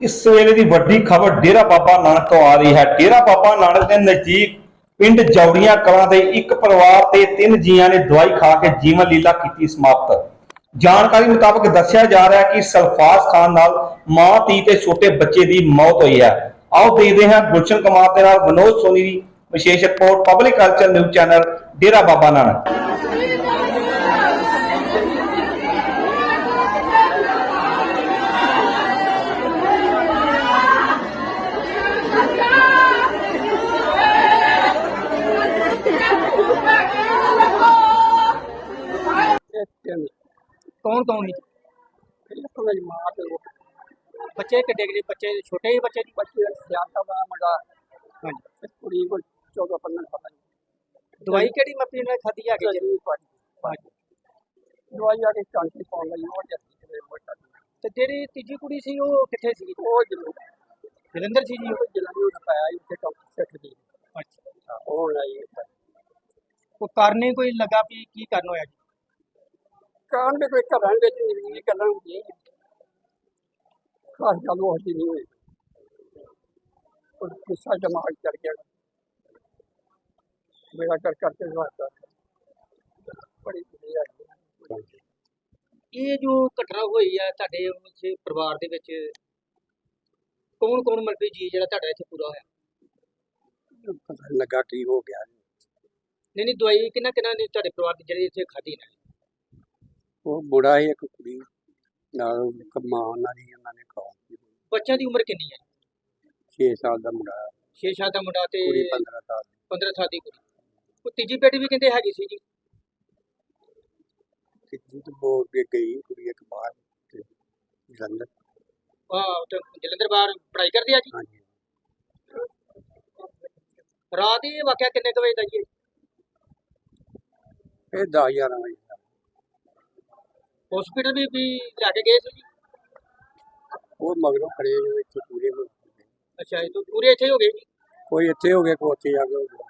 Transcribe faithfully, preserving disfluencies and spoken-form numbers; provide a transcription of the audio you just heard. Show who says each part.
Speaker 1: इस वेले की वड्डी खबर डेरा बाबा नानक तो आ रही है। डेरा बाबा नानक के नजदीक पिंड जौड़ियां कलां दे एक परिवार ते तीन जियां ने दवाई खा के जीवन लीला की समाप्त। जानकारी मुताबिक दस्या जा रहा है कि सल्फाज खान नाल मां धी ते छोटे बच्चे की मौत हुई है। आओ देखते हैं गुलशन कुमार के नाल विनोद सोनी की विशेष report, public culture news channel Dera Baba Nanak.
Speaker 2: कौन कौन है बच्चे किड्डे किड्डे बच्चे छोटे ही बच्चे बच्चे ज्यादा बड़ा मुंडा हाँ कुड़ी को चौदह पंद्रह पता नहीं दवाई केड़ी मपी ने खादी है कि दवाई आके चांटी पाउन लगी और जैसी ते जेड़ी तीजी कुड़ी सी वो किथे सी वो जलंधर सी जी वो जलंधर पाया इथे डॉक्टर सेठ दी अच्छा ओ आई को करने कोई लगा भी की करना होया कारण भी कोई घरां विच नहीं गल्लां होंदियां खास गल वो होती नहीं हुई और गुस्सा दिमाग चढ़ गया मेरा कर करते वास्ता बड़ी ये जो घटना हुई है ਤੁਹਾਡੇ ਉਸ ਪਰਿਵਾਰ ਦੇ ਵਿੱਚ ਕੌਣ ਕੌਣ ਮਰਦੀ ਜੀ ਜਿਹੜਾ ਤੁਹਾਡਾ ਇੱਥੇ ਪੂਰਾ ਹੋਇਆ
Speaker 3: ਪਤਾ ਲੱਗਾ ਕੀ ਹੋ ਗਿਆ
Speaker 2: ਨਹੀਂ ਨਹੀਂ ਦਵਾਈ ਕਿੰਨਾ ਕਿੰਨਾ ਨੇ ਤੁਹਾਡੇ ਪਰਿਵਾਰ ਦੀ ਜਿਹੜੀ ਇੱਥੇ ਖਾਧੀ ਨੇ
Speaker 3: ਉਹ ਬੁੜਾ ਹੀ ਇੱਕ ਕੁੜੀ ਨਾਲ ਮਾਂ ਉਹਨਾਂ ਦੀ ਉਹਨਾਂ ਨੇ ਖਾਧੀ
Speaker 2: ਬੱਚਿਆਂ ਦੀ ਉਮਰ ਕਿੰਨੀ ਹੈ
Speaker 3: ਛੇ ਸਾਲ ਦਾ ਮੁੰਡਾ
Speaker 2: ਛੇ ਸਾਲ ਦਾ ਮੁੰਡਾ ਤੇ
Speaker 3: ਕੁੜੀ ਪੰਦਰਾਂ ਸਾਲ ਦੀ
Speaker 2: ਪੰਦਰਾਂ ਸਾਲ ਦੀ ਕੁੜੀ ਉਹ ਤੀਜੀ ਬੇਟੀ ਵੀ ਕਹਿੰਦੇ ਹੈਗੀ ਸੀ ਜੀ
Speaker 3: ਤੀਜੀ ਤੋਂ ਬੋਲ ਕੇ ਗਈ ਕੁੜੀ ਇੱਕ ਬਾਹਰ ਤੇ ਜਲੰਧਰ
Speaker 2: ਆਹ ਤੇ ਜਲੰਧਰ ਬਾਹਰ ਪੜ੍ਹਾਈ ਕਰਦੀ ਆ ਜੀ
Speaker 3: ਹਾਂਜੀ
Speaker 2: ਰਾਤ ਇਹ ਵਾਕਿਆ ਕਿੰਨੇ ਕੁ ਵਜੇ ਦਾ ਜੀ
Speaker 3: ਇਹ ਦਸ ਗਿਆਰਾਂ ਵਜੇ ਦਾ
Speaker 2: ਹਸਪੀਟਲ ਵੀ ਵੀ ਲੈ ਕੇ ਗਏ ਸੀ ਜੀ
Speaker 3: ਉਹ ਮਗਰੋਂ ਖੜੇ ਜੋ ਇੱਥੇ ਪੂਰੇ ਹੋ ਗਏ
Speaker 2: ਅੱਛਾ ਇਹ ਤਾਂ ਪੂਰੇ ਇੱਥੇ ਹੋ ਗਏ ਜੀ
Speaker 3: ਕੋਈ ਇੱਥੇ ਹੋ ਗਿਆ ਕੋਈ ਉੱਥੇ ਜਾ ਕੇ ਹੋ ਗਿਆ